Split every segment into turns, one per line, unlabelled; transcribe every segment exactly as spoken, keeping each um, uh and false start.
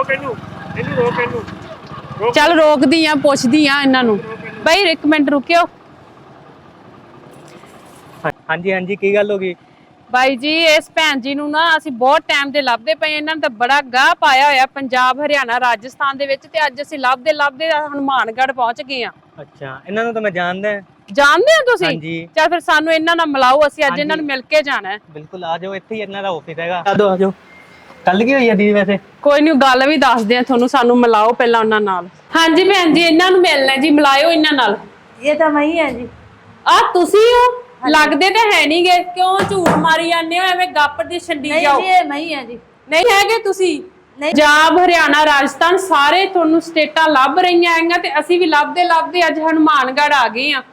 ਰੋਕ ਇਹਨੂੰ ਇਹਨੂੰ ਰੋਕ ਇਹਨੂੰ
ਚੱਲ ਰੋਕਦੀ ਆ ਪੁੱਛਦੀ ਆ ਇਹਨਾਂ ਨੂੰ ਬਾਈ ਇੱਕ ਮਿੰਟ ਰੁਕਿਓ
ਹਾਂਜੀ ਹਾਂਜੀ ਕੀ ਗੱਲ ਹੋ ਗਈ
ਬਾਈ ਜੀ ਇਸ ਭੈਣ ਜੀ ਨੂੰ ਨਾ ਅਸੀਂ ਬਹੁਤ ਟਾਈਮ ਦੇ ਲੱਭਦੇ ਪਏ ਇਹਨਾਂ ਨੇ ਤਾਂ ਬੜਾ ਗਾਹ ਪਾਇਆ ਹੋਇਆ ਪੰਜਾਬ ਹਰਿਆਣਾ ਰਾਜਸਥਾਨ ਦੇ ਵਿੱਚ ਤੇ ਅੱਜ ਅਸੀਂ ਲੱਭਦੇ ਲੱਭਦੇ ਹਨੂਮਾਨਗੜ੍ਹ ਪਹੁੰਚ ਗਏ ਆ
ਅੱਛਾ ਇਹਨਾਂ ਨੂੰ ਤਾਂ ਮੈਂ ਜਾਣਦਾ
ਜਾਣਦੇ ਹੋ ਤੁਸੀਂ
ਹਾਂਜੀ
ਚੱਲ ਫਿਰ ਸਾਨੂੰ ਇਹਨਾਂ ਨਾਲ ਮਿਲਾਓ ਅਸੀਂ ਅੱਜ ਇਹਨਾਂ ਨੂੰ ਮਿਲ ਕੇ ਜਾਣਾ ਹੈ
ਬਿਲਕੁਲ ਆ ਜਾਓ ਇੱਥੇ ਹੀ ਇਹਨਾਂ ਦਾ ਆਫਿਸ ਹੈਗਾ ਆ ਜਾਓ ਆ ਜਾਓ ਕੱਲ ਕੀ ਹੋਈ ਆ ਦੀਦੀ ਵੈਸੇ
ਕੋਈ ਨਹੀਂ ਗੱਲ ਵੀ ਦੱਸਦੇ ਆ ਤੁਹਾਨੂੰ ਸਾਨੂੰ ਮਿਲਾਓ ਪਹਿਲਾਂ ਉਹਨਾਂ ਨਾਲ ਹਾਂਜੀ ਭੈਣ ਜੀ ਇਹਨਾਂ ਨੂੰ ਮਿਲਣਾ ਜੀ ਮਿਲਾਇਓ ਇਹਨਾਂ ਨਾਲ
ਇਹ ਤਾਂ ਮੈਂ ਹੀ ਆ ਜੀ
ਆ ਤੁਸੀਂ ਹੋ ਲੱਗਦੇ ਤਾਂ ਹੈ ਨਹੀਂਗੇ ਕਿਉਂ ਝੂਠ ਮਾਰੀ ਜਾਂਦੇ ਹੋ ਐਵੇਂ ਗੱਪ ਦੀ ਛੰਡੀ ਜਾਓ
ਨਹੀਂ ਜੀ ਇਹ ਮੈਂ ਹੀ ਆ ਜੀ
ਨਹੀਂ ਹੈਗੇ ਤੁਸੀਂ ਪੰਜਾਬ ਹਰਿਆਣਾ ਰਾਜਸਥਾਨ ਸਾਰੇ ਤੁਹਾਨੂੰ ਸਟੇਟਾਂ ਲੱਭ ਰਹੀਆਂ ਆਈਆਂ ਤੇ ਅਸੀਂ ਵੀ ਲੱਭਦੇ ਲੱਭਦੇ ਅੱਜ ਹਨੂਮਾਨਗੜ੍ਹ ਆ ਗਏ ਆ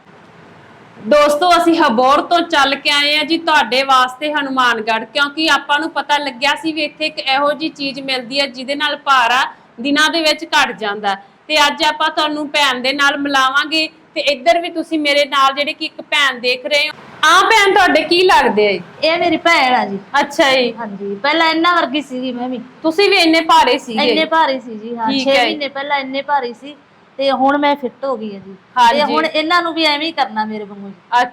ਦੋਸਤੋ ਅਸੀਂ ਹਬੋਰ ਤੋਂ ਚੱਲ ਕੇ ਆਏ ਆ ਜੀ ਤੁਹਾਡੇ ਵਾਸਤੇ ਹਨੂਮਾਨਗੜ੍ਹ ਕਿਉਂਕਿ ਆਪਾਂ ਨੂੰ ਪਤਾ ਲੱਗਿਆ ਸੀ ਵੀ ਇੱਥੇ ਇੱਕ ਇਹੋ ਜੀ ਚੀਜ਼ ਮਿਲਦੀ ਹੈ ਜਿਹਦੇ ਨਾਲ ਭਾਰਾ ਦਿਨਾਂ ਦੇ ਵਿੱਚ ਘਟ ਜਾਂਦਾ ਤੇ ਅੱਜ ਆਪਾਂ ਤੁਹਾਨੂੰ ਭੈਣ ਦੇ ਨਾਲ ਮਿਲਾਵਾਂਗੇ ਤੇ ਇੱਧਰ ਵੀ ਤੁਸੀਂ ਮੇਰੇ ਨਾਲ ਜਿਹੜੇ ਕਿ ਇੱਕ ਭੈਣ ਦੇਖ ਰਹੇ ਹੋ ਆ ਭੈਣ ਤੁਹਾਡੇ ਕੀ ਲੱਗਦੇ ਆ
ਇਹ ਮੇਰੀ ਭੈਣ ਆ ਜੀ
ਅੱਛਾ ਜੀ
ਹਾਂਜੀ ਪਹਿਲਾਂ ਇੰਨਾ ਵਰਗੀ ਸੀਗੀ ਮੈਂ ਵੀ
ਤੁਸੀਂ ਵੀ ਇੰਨੇ ਭਾਰੇ ਸੀਗੇ
ਇੰਨੇ ਭਾਰੀ ਸੀ ਜੀ ਹਾਂ ਛੇ ਮਹੀਨੇ ਪਹਿਲਾਂ ਇੰਨੇ ਭਾਰੀ ਸੀ ਤੇ ਹੁਣ ਮੈਂ ਫਿੱਟ ਹੋ ਗਈ ਆ ਜੀ ਤੇ ਹੁਣ ਇਹਨਾਂ ਨੂੰ ਵੀ ਐਵੇਂ ਹੀ ਕਰਨਾ ਮੇਰੇ ਵਾਂਗੂ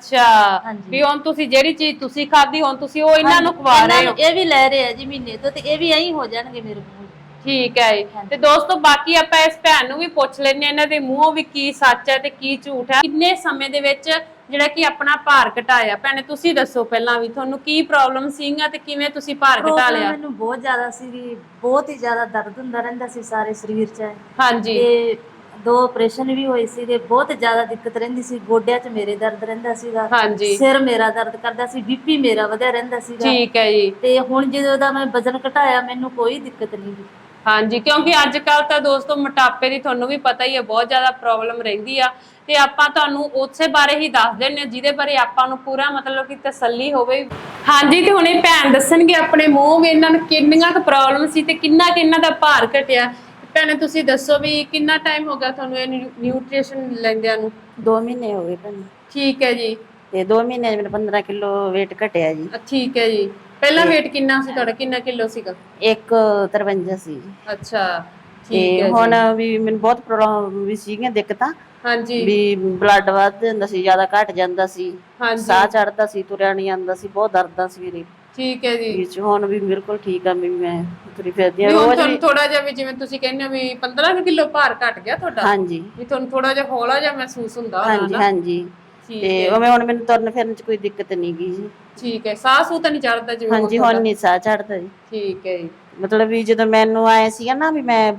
ਅੱਛਾ ਵੀ ਹੁਣ ਤੁਸੀਂ ਜਿਹੜੀ ਚੀਜ਼ ਤੁਸੀਂ ਖਾਧੀ ਹੁਣ ਤੁਸੀਂ ਉਹ ਇਹਨਾਂ ਨੂੰ ਖਵਾ ਰਹੇ ਹੋ
ਇਹ ਵੀ ਲੈ ਰਹੇ ਆ ਜੀ ਮਹੀਨੇ ਤੋਂ ਤੇ ਇਹ ਵੀ ਐਂ ਹੋ ਜਾਣਗੇ ਮੇਰੇ ਵਾਂਗੂ
ਠੀਕ ਹੈ ਜੀ ਤੇ ਦੋਸਤੋ ਬਾਕੀ ਆਪਾਂ ਇਸ ਭੈਣ ਨੂੰ ਵੀ ਪੁੱਛ ਲੈਣੇ ਇਹਨਾਂ ਦੇ ਮੂੰਹੋਂ ਵੀ ਕੀ ਸੱਚ ਹੈ ਤੇ ਕੀ ਝੂਠ ਹੈ ਕਿੰਨੇ ਸਮੇਂ ਦੇ ਵਿੱਚ ਜਿਹੜਾ ਕਿ ਆਪਣਾ ਭਾਰ ਘਟਾਇਆ ਭੈਣੇ ਤੁਸੀਂ ਦੱਸੋ ਪਹਿਲਾਂ ਵੀ ਤੁਹਾਨੂੰ ਕੀ ਪ੍ਰੋਬਲਮ ਸੀਗਾ ਤੇ ਕਿਵੇਂ ਤੁਸੀਂ ਭਾਰ ਘਟਾ ਲਿਆ
ਮੈਨੂੰ ਬਹੁਤ ਜ਼ਿਆਦਾ ਸੀ ਬਹੁਤ ਹੀ ਜ਼ਿਆਦਾ ਦਰਦ ਹੁੰਦਾ ਰਹਿੰਦਾ ਸੀ ਸਾਰੇ ਸਰੀਰ 'ਚ
ਹਾਂਜੀ
ਤੇ ਦੋ ਆਪਰੇਸ਼ਨ ਵੀ ਹੋਏ ਸੀਗੇ ਬਹੁਤ ਜ਼ਿਆਦਾ ਦਿੱਕਤ ਰਹਿੰਦੀ ਸੀ ਗੋਡਿਆਂ 'ਚ ਮੇਰੇ ਦਰਦ ਰਹਿੰਦਾ ਸੀਗਾ
ਹਾਂਜੀ
ਸਿਰ ਮੇਰਾ ਦਰਦ ਕਰਦਾ ਸੀ ਬੀਪੀ ਮੇਰਾ ਵਧਿਆ ਰਹਿੰਦਾ ਸੀਗਾ
ਠੀਕ ਹੈ ਜੀ
ਤੇ ਹੁਣ ਜਦੋਂ ਦਾ ਮੈਂ ਵਜ਼ਨ ਘਟਾਇਆ ਮੈਨੂੰ ਕੋਈ ਦਿੱਕਤ ਨਹੀਂ ਜੀ
ਹਾਂਜੀ ਕਿਉਂਕਿ ਅੱਜ ਕੱਲ ਤਾਂ ਦੋਸਤੋ ਮੋਟਾਪੇ ਦੀ ਤੁਹਾਨੂੰ ਵੀ ਪਤਾ ਹੀ ਹੈ ਬਹੁਤ ਜ਼ਿਆਦਾ ਪ੍ਰੋਬਲਮ ਰਹਿੰਦੀ ਆ ਤੇ ਆਪਾਂ ਤੁਹਾਨੂੰ ਉਸੇ ਬਾਰੇ ਹੀ ਦੱਸ ਦਿੰਨੇ ਜਿਹਦੇ ਬਾਰੇ ਆਪਾਂ ਨੂੰ ਪੂਰਾ ਮਤਲਬ ਕਿ ਤਸੱਲੀ ਹੋਵੇ ਹਾਂਜੀ ਤੇ ਹੁਣ ਇਹ ਭੈਣ ਦੱਸਣਗੇ ਆਪਣੇ ਮੂੰਹ ਵੀ ਇਹਨਾਂ ਨੂੰ ਕਿੰਨੀਆਂ ਕੁ ਪ੍ਰੋਬਲਮ ਸੀ ਤੇ ਕਿੰਨਾ ਕਿ ਇਹਨਾਂ ਦਾ ਭਾਰ ਘਟਿਆ ਭੈਣੇ ਤੁਸੀਂ ਦੱਸੋ ਵੀ ਕਿੰਨਾ ਟਾਈਮ ਹੋ ਗਿਆ ਤੁਹਾਨੂੰ ਇਹ ਨਿਊਟ੍ਰੀਸ਼ਨ ਲੈਂਦਿਆਂ ਨੂੰ
ਦੋ ਮਹੀਨੇ ਹੋ ਗਏ ਭੈਣ
ਠੀਕ ਹੈ ਜੀ
ਤੇ ਦੋ ਮਹੀਨੇ ਮੇਰਾ ਪੰਦਰਾਂ ਕਿਲੋ weight ਘਟਿਆ ਜੀ
ਠੀਕ ਹੈ ਜੀ ਪਹਿਲਾਂ weight ਕਿੰਨਾ ਸੀ ਤੁਹਾਡਾ ਕਿੰਨਾ ਕਿਲੋ ਸੀਗਾ
ਇੱਕ ਤਰਵੰਜਾ ਸੀ
ਅੱਛਾ
ਠੀਕ ਹੈ ਹੁਣ ਵੀ ਮੈਨੂੰ ਬਹੁਤ ਪ੍ਰੋਬਲਮ ਵੀ ਸੀਗੀਆਂ ਦਿੱਕਤਾਂ
ਹਾਂਜੀ
ਵੀ ਬਲੱਡ ਵੱਧ ਜਾਂਦਾ ਸੀ ਜ਼ਿਆਦਾ ਘਟ ਜਾਂਦਾ ਸੀ ਸਾਹ ਚੜਦਾ ਸੀ ਤੁਰਿਆ ਨਹੀਂ ਜਾਂਦਾ ਸੀ ਬਹੁਤ ਦਰਦਾਂ ਸੀ ਮੇਰੇ
ਠੀਕ ਹੈ ਜੀ
ਵਿੱਚ ਹੁਣ ਵੀ ਬਿਲਕੁਲ ਠੀਕ ਆ ਮੈਂ ਤੁਰੀ ਫਿਰਦੀ ਆ
ਰੋਜ਼ ਤੁਹਾਨੂੰ ਥੋੜਾ ਜਿਹਾ ਵੀ ਜਿਵੇਂ ਤੁਸੀਂ ਕਹਿੰਦੇ ਹੋ ਵੀ ਪੰਦਰਾਂ ਕਿਲੋ ਭਾਰ ਘਟ ਗਿਆ ਤੁਹਾਡਾ
ਹਾਂਜੀ
ਵੀ ਤੁਹਾਨੂੰ ਥੋੜਾ ਜਿਹਾ ਹੌਲਾ ਜਿਹਾ ਮਹਿਸੂਸ ਹੁੰਦਾ
ਹਾਂਜੀ ਹਾਂਜੀ ਤੇ ਉਵੇਂ ਹੁਣ ਮੈਨੂੰ ਤੁਰਨ ਫਿਰਨ ਚ ਕੋਈ ਦਿੱਕਤ ਨਹੀਂ ਗਈ ਜੀ
ਠੀਕ ਹੈ ਸਾਹ ਸੂ ਤਾਂ ਨਹੀਂ ਚੜਦਾ ਜਿਵੇਂ
ਹਾਂਜੀ ਹੁਣ ਨਹੀਂ ਸਾਹ ਚੜਦਾ ਜੀ
ਠੀਕ ਹੈ ਜੀ
ਮਤਲਬ ਵੀ ਜਦੋਂ ਮੈਨੂੰ ਆਏ ਸੀਗਾ ਨਾ ਵੀ ਮੈਂ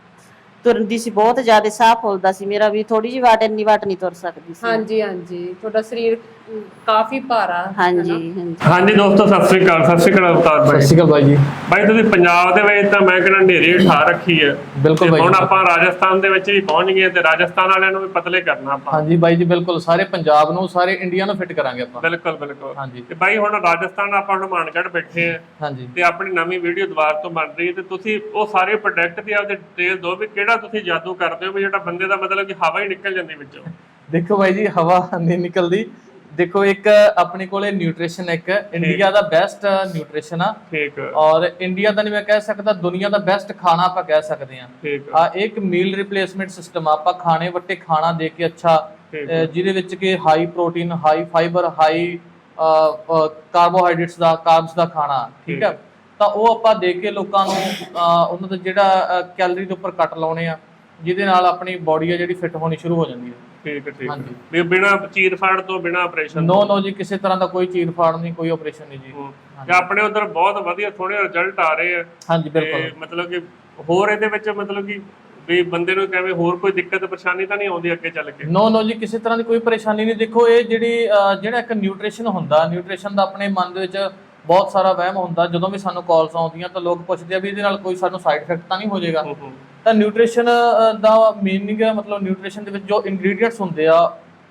ਤੁਰਦੀ ਸੀ ਬਹੁਤ ਜ਼ਿਆਦਾ ਸਾਹ ਫੁੱਲਦਾ ਸੀ ਮੇਰਾ ਵੀ ਥੋੜੀ ਜਿਹੀ ਵਾਟ ਇੰਨੀ ਵਾਟ ਨਹੀਂ ਤੁਰ ਸਕਦੀ ਸੀ
ਹਾਂਜੀ ਹਾਂਜੀ ਤੁਹਾਡਾ ਸਰੀਰ ਕਾਫੀ ਭਾਰਾ
ਹਾਂਜੀ ਹਾਂਜੀ
ਹਾਂਜੀ ਦੋਸਤੋ ਸਤਿ ਸ੍ਰੀ ਅਕਾਲ ਸਤਿ ਸ੍ਰੀ ਅਕਾਲ ਅਵਤਾਰ ਬਾਈ
ਸਤਿ ਸ੍ਰੀ ਅਕਾਲ ਬਾਈ ਜੀ
ਬਾਈ ਤੁਸੀਂ ਪੰਜਾਬ ਦੇ ਵਿੱਚ ਤਾਂ ਮੈਂ ਕਹਿੰਦਾ ਢੇਰੀ ਠਾ ਰੱਖੀ ਹੈ
ਬਿਲਕੁਲ ਬਾਈ
ਹੁਣ ਆਪਾਂ ਰਾਜਸਥਾਨ ਦੇ ਵਿੱਚ ਵੀ ਪਹੁੰਚ ਗਏ ਤੇ ਰਾਜਸਥਾਨ ਵਾਲਿਆਂ ਨੂੰ ਵੀ ਪਤਲੇ ਕਰਨਾ ਆਪਾਂ
ਹਾਂਜੀ ਬਾਈ ਜੀ ਬਿਲਕੁਲ ਸਾਰੇ ਪੰਜਾਬ ਨੂੰ ਸਾਰੇ ਇੰਡੀਆ ਨੂੰ ਫਿੱਟ ਕਰਾਂਗੇ ਆਪਾਂ
ਬਿਲਕੁਲ ਬਿਲਕੁਲ
ਹਾਂਜੀ
ਤੇ ਬਾਈ ਹੁਣ ਰਾਜਸਥਾਨ ਆਪਾਂ ਹਨੂਮਾਨਗੜ੍ਹ ਬੈਠੇ ਆ
ਹਾਂਜੀ
ਤੇ ਆਪਣੀ ਨਵੀਂ ਵੀਡੀਓ ਦੁਬਾਰਾ ਤੋਂ ਬਣ ਰਹੀ ਹੈ ਤੇ ਤੁਸੀਂ ਉਹ ਸਾਰੇ ਪ੍ਰੋਡਕਟ ਦੀ ਆਪਦੇ ਡਿਟੇਲ ਦਿਓ ਵੀ ਕਿਹੜਾ ਤੁਸੀਂ ਜਾਦੂ ਕਰਦੇ ਹੋ ਵੀ ਜਿਹੜਾ ਬੰਦੇ ਦਾ ਮਤਲਬ ਕਿ ਹਵਾ ਹੀ ਨਿਕਲ ਜਾਂਦੀ ਵਿੱਚੋਂ
ਦੇਖੋ ਬਾਈ ਜੀ ਹਵਾ ਨਹੀਂ ਨਿਕਲਦੀ ਦੇਖੋ ਇੱਕ ਆਪਣੇ ਕੋਲੇ ਨਿਊਟ੍ਰੀਸ਼ਨ ਇੱਕ ਇੰਡੀਆ ਦਾ ਬੈਸਟ ਨਿਊਟ੍ਰੀਸ਼ਨ ਆ
ਠੀਕ
ਔਰ ਇੰਡੀਆ ਦਾ ਨਹੀਂ ਮੈਂ ਕਹਿ ਸਕਦਾ ਦੁਨੀਆ ਦਾ ਬੈਸਟ ਖਾਣਾ ਆਪਾਂ ਕਹਿ ਸਕਦੇ ਆ
ਠੀਕ
ਆ ਇੱਕ ਮੀਲ ਰਿਪਲੇਸਮੈਂਟ ਸਿਸਟਮ ਆਪਾਂ ਖਾਣੇ ਵੱਟੇ ਖਾਣਾ ਦੇ ਕੇ ਅੱਛਾ ਜਿਹਦੇ ਵਿੱਚ ਕਿ high protein high fibre high carbohydrates ਦਾ ਕਾਰਬਸ ਦਾ ਖਾਣਾ ਠੀਕ ਹੈ ਤਾਂ ਉਹ ਆਪਾਂ ਦੇ ਕੇ ਲੋਕਾਂ ਨੂੰ ਉਹਨਾਂ ਦਾ ਜਿਹੜਾ ਕੈਲਰੀ ਦੇ ਉੱਪਰ ਕੱਟ ਲਾਉਣੇ ਆ ਜਿਹਦੇ ਨਾਲ ਆਪਣੀ ਬਾਡੀ ਆ ਜਿਹੜੀ ਫਿੱਟ ਹੋਣੀ ਸ਼ੁਰੂ ਹੋ ਜਾਂਦੀ ਹੈ
ਠੀਕ ਹੈ ਠੀਕ ਹੈ ਵੀ ਬਿਨਾ ਚੀਰ ਫਾੜ ਤੋਂ ਬਿਨਾ ਆਪਰੇਸ਼ਨ
ਨੋ ਨੋ ਜੀ ਕਿਸੇ ਤਰ੍ਹਾਂ ਦਾ ਕੋਈ ਚੀਰ ਫਾੜ ਨਹੀਂ ਕੋਈ ਆਪਰੇਸ਼ਨ ਨਹੀਂ ਜੀ
ਤੇ ਆਪਣੇ ਉਧਰ ਬਹੁਤ ਵਧੀਆ ਥੋੜੇ ਰਿਜ਼ਲਟ ਆ ਰਹੇ ਆ
ਹਾਂਜੀ ਬਿਲਕੁਲ
ਮਤਲਬ ਕਿ ਹੋਰ ਇਹਦੇ ਵਿੱਚ ਮਤਲਬ ਕਿ ਵੀ ਬੰਦੇ ਨੂੰ ਕਿਵੇਂ ਹੋਰ ਕੋਈ ਦਿੱਕਤ ਪਰੇਸ਼ਾਨੀ ਤਾਂ ਨਹੀਂ ਆਉਂਦੀ ਅੱਗੇ ਚੱਲ ਕੇ
ਨੋ ਨੋ ਜੀ ਕਿਸੇ ਤਰ੍ਹਾਂ ਦੀ ਕੋਈ ਪਰੇਸ਼ਾਨੀ ਨਹੀਂ ਦੇਖੋ ਇਹ ਜਿਹੜੀ ਜਿਹੜਾ ਇੱਕ ਨਿਊਟ੍ਰੀਸ਼ਨ ਹੁੰਦਾ ਨਿਊਟ੍ਰੀਸ਼ਨ ਦਾ ਆਪਣੇ ਮਨ ਦੇ ਵਿੱਚ ਬਹੁਤ ਸਾਰਾ ਵਹਿਮ ਹੁੰਦਾ ਜਦੋਂ ਵੀ ਸਾਨੂੰ ਕਾਲਸ ਆਉਂਦੀਆਂ ਤਾਂ ਲੋਕ ਪੁੱਛਦੇ ਆ ਵੀ ਇਹਦੇ ਨਾਲ ਕੋਈ ਸਾਨੂੰ ਸਾਈਡ ਇਫੈਕਟ ਤਾਂ ਨਹੀਂ ਹੋ ਜਾਏਗਾ ਤਾਂ ਨਿਊਟ੍ਰੀਸ਼ਨ ਦਾ ਮੀਨਿੰਗ ਹੈ ਮਤਲਬ ਨਿਊਟ੍ਰੀਸ਼ਨ ਦੇ ਵਿੱਚ ਜੋ ਇੰਗਰੀਡੀਐਂਟਸ ਹੁੰਦੇ ਆ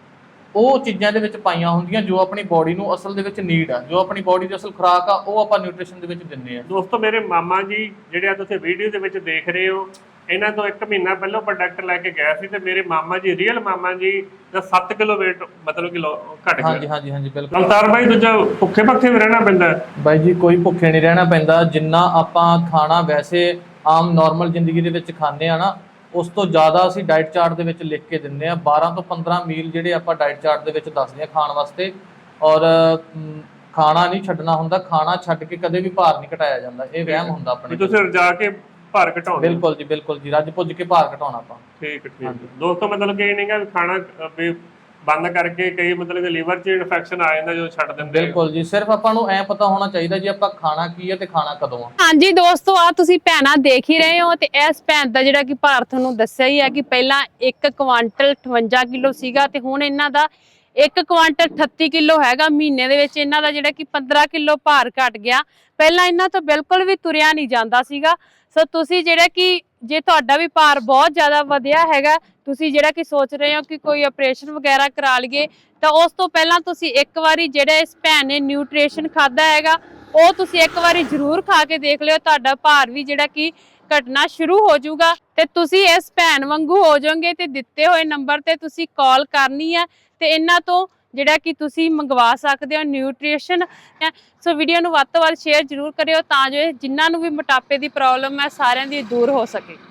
ਉਹ ਚੀਜ਼ਾਂ ਦੇ ਵਿੱਚ ਪਾਈਆਂ ਹੁੰਦੀਆਂ ਜੋ ਆਪਣੀ ਬਾਡੀ ਨੂੰ ਅਸਲ ਦੇ ਵਿੱਚ ਨੀਡ ਆ ਜੋ ਆਪਣੀ ਬਾਡੀ ਦੀ ਅਸਲ ਖੁਰਾਕ ਆ ਉਹ ਆਪਾਂ ਨਿਊਟ੍ਰੀਸ਼ਨ ਦੇ ਵਿੱਚ ਦਿੰਦੇ ਆ
ਦੋਸਤੋ ਮੇਰੇ ਮਾਮਾ ਜੀ ਜਿਹੜੇ ਆ ਤੁਸੀਂ ਵੀਡੀਓ ਦੇ ਵਿੱਚ ਦੇਖ ਰਹੇ ਹੋ ਇਹਨਾਂ ਤੋਂ ਇੱਕ ਮਹੀਨਾ ਪਹਿਲਾਂ ਪ੍ਰੋਡਕਟ ਲੈ ਕੇ ਗਿਆ ਸੀ ਤੇ ਮੇਰੇ ਮਾਮਾ ਜੀ ਰੀਅਲ ਮਾਮਾ ਜੀ ਦਾ ਸੱਤ ਕਿਲੋ weight ਮਤਲਬ ਕਿ ਘਟ ਗਿਆ
ਹਾਂਜੀ ਹਾਂਜੀ ਹਾਂਜੀ ਬਿਲਕੁਲ
ਅਵਤਾਰ ਬਾਈ ਦੂਜਾ ਭੁੱਖੇ ਭੱਖੇ ਵੀ ਰਹਿਣਾ ਪੈਂਦਾ
ਬਾਈ ਜੀ ਕੋਈ ਭੁੱਖੇ ਨਹੀਂ ਰਹਿਣਾ ਪੈਂਦਾ ਜਿੰਨਾ ਆਪਾਂ ਖਾਣਾ ਵੈਸੇ ਆਮ ਨਾਰਮਲ ਜ਼ਿੰਦਗੀ ਦੇ ਵਿੱਚ ਖਾਂਦੇ ਆ ਨਾ, ਉਸ ਤੋਂ ਜ਼ਿਆਦਾ ਅਸੀਂ ਡਾਈਟ ਚਾਰਟ ਦੇ ਵਿੱਚ ਲਿਖ ਕੇ ਦਿੰਦੇ ਆ। ਬਾਰਾਂ ਤੋਂ ਪੰਦਰਾਂ ਮੀਲ ਜਿਹੜੇ ਆਪਾਂ ਡਾਈਟ ਚਾਰਟ ਦੇ ਵਿੱਚ ਦੱਸਦੇ ਆ ਖਾਣ ਵਾਸਤੇ। ਔਰ ਖਾਣਾ ਨਹੀਂ ਛੱਡਣਾ ਹੁੰਦਾ, ਖਾਣਾ ਛੱਡ ਕੇ ਕਦੇ ਵੀ ਭਾਰ ਨਹੀਂ ਘਟਾਇਆ ਜਾਂਦਾ, ਇਹ ਵਹਿਮ ਹੁੰਦਾ ਆਪਣੇ।
ਤੁਸੀਂ ਰਜਾ ਕੇ ਭਾਰ ਘਟਾਉਣਾ।
ਬਿਲਕੁਲ ਜੀ ਬਿਲਕੁਲ ਜੀ, ਰੱਜ ਪੁੱਜ ਕੇ ਭਾਰ ਘਟਾਉਣਾ ਆਪਾਂ।
ਠੀਕ ਠੀਕ ਦੋਸਤੋ, ਮਤਲਬ ਕਿ ਇਹ ਨਹੀਂਗਾ ਵੀ ਖਾਣਾ ਵੀ ਬੰਦ ਕਰਕੇ ਕਈ ਮਤਲਬ ਕਿ ਲੀਵਰ 'ਚ ਇਨਫੈਕਸ਼ਨ ਆ ਜਾਂਦਾ ਜਦੋਂ ਛੱਡ ਦਿੰਦੇ।
ਬਿਲਕੁਲ ਜੀ, ਸਿਰਫ ਆਪਾਂ ਨੂੰ ਐ ਪਤਾ ਹੋਣਾ ਚਾਹੀਦਾ ਜੀ ਆਪਾਂ ਖਾਣਾ ਕੀ ਹੈ ਤੇ ਖਾਣਾ ਕਦੋਂ ਆ।
ਹਾਂਜੀ ਦੋਸਤੋ, ਆ ਤੁਸੀਂ ਭੈਣਾਂ ਦੇਖ ਹੀ ਰਹੇ ਹੋ ਤੇ ਇਸ ਭੈਣ ਦਾ ਜਿਹੜਾ ਕਿ ਭਾਰ ਤੁਹਾਨੂੰ ਦੱਸਿਆ ਹੀ ਹੈ ਕਿ ਪਹਿਲਾਂ ਇੱਕ ਕੁਆਂਟਲ ਅਠਵੰਜਾ ਕਿਲੋ ਸੀਗਾ ਤੇ ਹੁਣ ਇਹਨਾਂ ਦਾ ਇੱਕ ਕੁਆਂਟਲ ਅਠੱਤੀ ਕਿਲੋ ਹੈਗਾ। ਮਹੀਨੇ ਦੇ ਵਿੱਚ ਇਹਨਾਂ ਦਾ ਜਿਹੜਾ ਕਿ ਪੰਦਰਾਂ ਕਿਲੋ ਭਾਰ ਘਟ ਗਿਆ। ਪਹਿਲਾਂ ਇਹਨਾਂ ਤੋਂ ਬਿਲਕੁਲ ਵੀ ਤੁਰਿਆ ਨਹੀਂ ਜਾਂਦਾ ਸੀਗਾ। ਸੋ ਤੁਸੀਂ ਜਿਹੜਾ ਕਿ ਜੇ ਤੁਹਾਡਾ ਵੀ ਭਾਰ ਬਹੁਤ ਜ਼ਿਆਦਾ ਵਧਿਆ ਹੈਗਾ, ਤੁਸੀਂ ਜਿਹੜਾ ਕਿ ਸੋਚ ਰਹੇ ਹੋ ਕਿ ਕੋਈ ਆਪਰੇਸ਼ਨ ਵਗੈਰਾ ਕਰਾ ਲਈਏ, ਤਾਂ ਉਸ ਤੋਂ ਪਹਿਲਾਂ ਤੁਸੀਂ ਇੱਕ ਵਾਰੀ ਜਿਹੜਾ ਇਸ ਭੈਣ ਨੇ ਨਿਊਟ੍ਰੀਸ਼ਨ ਖਾਦਾ ਹੈਗਾ ਉਹ ਤੁਸੀਂ ਇੱਕ ਵਾਰੀ ਜ਼ਰੂਰ ਖਾ ਕੇ ਦੇਖ ਲਿਓ। ਤੁਹਾਡਾ ਭਾਰ ਵੀ ਜਿਹੜਾ ਕਿ ਘਟਣਾ ਸ਼ੁਰੂ ਹੋ ਜਾਊਗਾ ਤੇ ਤੁਸੀਂ ਇਸ ਭੈਣ ਵਾਂਗੂ ਹੋ ਜਾਓਗੇ। ਤੇ ਦਿੱਤੇ ਹੋਏ ਨੰਬਰ ਤੇ ਤੁਸੀਂ ਕਾਲ ਕਰਨੀ ਹੈ ਤੇ ਇਹਨਾਂ ਤੋਂ ਜਿਹੜਾ ਕਿ ਤੁਸੀਂ ਮੰਗਵਾ ਸਕਦੇ ਹੋ ਨਿਊਟ੍ਰੀਸ਼ਨ। ਸੋ ਵੀਡੀਓ ਨੂੰ ਵੱਧ ਤੋਂ ਵੱਧ ਸ਼ੇਅਰ ਜ਼ਰੂਰ ਕਰਿਓ ਤਾਂ ਜੋ ਜਿਨ੍ਹਾਂ ਨੂੰ ਵੀ ਮੋਟਾਪੇ ਦੀ ਪ੍ਰੋਬਲਮ ਹੈ ਸਾਰਿਆਂ ਦੀ ਦੂਰ ਹੋ ਸਕੇ।